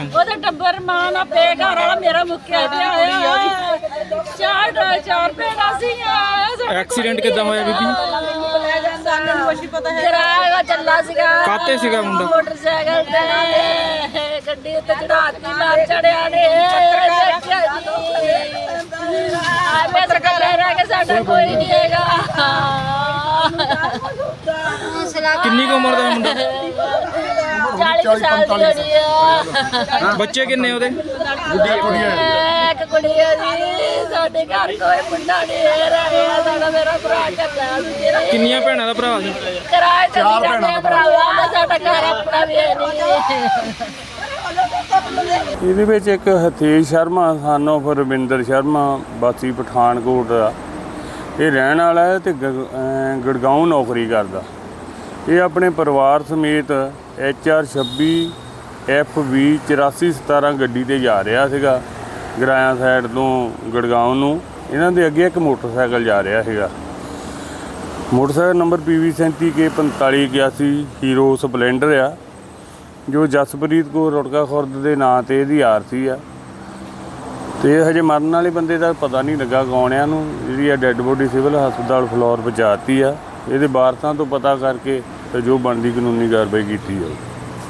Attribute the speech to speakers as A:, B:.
A: ਉਹਦਾ ਟੱਬਰ ਮਾਂ ਨਾ ਪੇ ਘਰ ਵਾਲਾ ਮੇਰਾ ਮੁੱਕਿਆ ਤੇ ਆਇਆ ਚਾਰ ਭੈਣਾਂ ਸੀਗੀਆਂ।
B: ਐਕਸੀਡੈਂਟ ਕਿੱਦਾਂ ਹੋਇਆ ਬੀਬੀ?
A: ਸਾਨੂੰ ਕੁਛ ਪਤਾ ਹੈ ਕਿਰਾਇਆ ਚੱਲਾ ਸੀਗਾ।
B: ਕਾਤੇ ਸੀਗਾ ਮੁੰਡਾ?
A: ਮੋਟਰਸਾਈਕਲ ਤੇ ਗੱਡੀ ਉੱਤੇ ਚੜਾਤੀ ਮਾਰ ਚੜਿਆ ਨੇ। ਪੱਤਰਕਾਰ ਰਹਿ ਕੇ ਸਾਡਾ ਕੋਈ ਨਹੀਂ ਹੈਗਾ।
B: ਕਿੰਨੀ ਕੁ ਉਮਰ ਦਾ ਮੁੰਡਾ?
A: 40 ਸਾਲ ਦੀ ਹੋਣੀ ਆ।
B: ਬੱਚੇ ਕਿੰਨੇ ਉਹਦੇ?
A: ਇੱਕ ਕੁੜੀ ਆ ਜੀ। ਸਾਡੇ ਘਰ ਕੋਈ ਮੁੰਡਾ ਨਹੀਂ ਰਿਹਾ। ਸਾਡਾ ਮੇਰਾ ਭਰਾ ਚੱਲਾ ਸੀ।
B: ਕਿੰਨੀਆਂ ਭੈਣਾਂ ਦਾ ਭਰਾ ਸੀ?
A: ਕਿਰਾਏ ਤੇ ਜਾਂਦੇ ਭਰਾਵਾ। ਸਾਡਾ ਘਰ ਆਪਣਾ ਵੀ ਹੈ ਨਹੀਂ।
C: ਇਹਦੇ ਵਿੱਚ ਇੱਕ ਹਥੇਸ਼ ਸ਼ਰਮਾ ਸਾਨੂੰ ਫਿਰ ਰਵਿੰਦਰ ਸ਼ਰਮਾ ਵਾਸੀ ਪਠਾਨਕੋਟ ਦਾ ਇਹ ਰਹਿਣ ਵਾਲਾ ਹੈ ਤੇ ਗੁੜਗਾਉਂ ਨੌਕਰੀ ਕਰਦਾ। ਇਹ ਆਪਣੇ ਪਰਿਵਾਰ ਸਮੇਤ HR 26 FV 8417 ਗੱਡੀ 'ਤੇ ਜਾ ਰਿਹਾ ਸੀਗਾ ਗਰਾਇਆ ਸਾਈਡ ਤੋਂ ਗੁੜਗਾਉਂ ਨੂੰ। ਇਹਨਾਂ ਦੇ ਅੱਗੇ ਇੱਕ ਮੋਟਰਸਾਈਕਲ ਜਾ ਰਿਹਾ ਸੀਗਾ। Motorcycle number PV 37K 4581 Hero Splendor ਆ, ਜੋ ਜਸਪ੍ਰੀਤ ਕੌਰ ਰੁੜਕਾ ਖੁਰਦ ਦੇ ਨਾਂ 'ਤੇ ਇਹਦੀ ਆਰਸੀ ਆ। ਅਤੇ ਹਜੇ ਮਰਨ ਵਾਲੇ ਬੰਦੇ ਦਾ ਪਤਾ ਨਹੀਂ ਲੱਗਾ ਕੌਣ ਨੂੰ। ਜਿਹੜੀ ਆ ਡੈੱਡ ਬੋਡੀ ਸਿਵਲ ਹਸਪਤਾਲ ਫਲੋਰ ਪਹੁੰਚਾਤੀ ਆ। ਇਹਦੇ ਵਾਰਸਾਂ ਤੋਂ ਪਤਾ ਕਰਕੇ ਤੇ ਜੋ ਬਣਦੀ ਕਾਨੂੰਨੀ ਕਾਰਵਾਈ ਕੀਤੀ ਜਾਊ।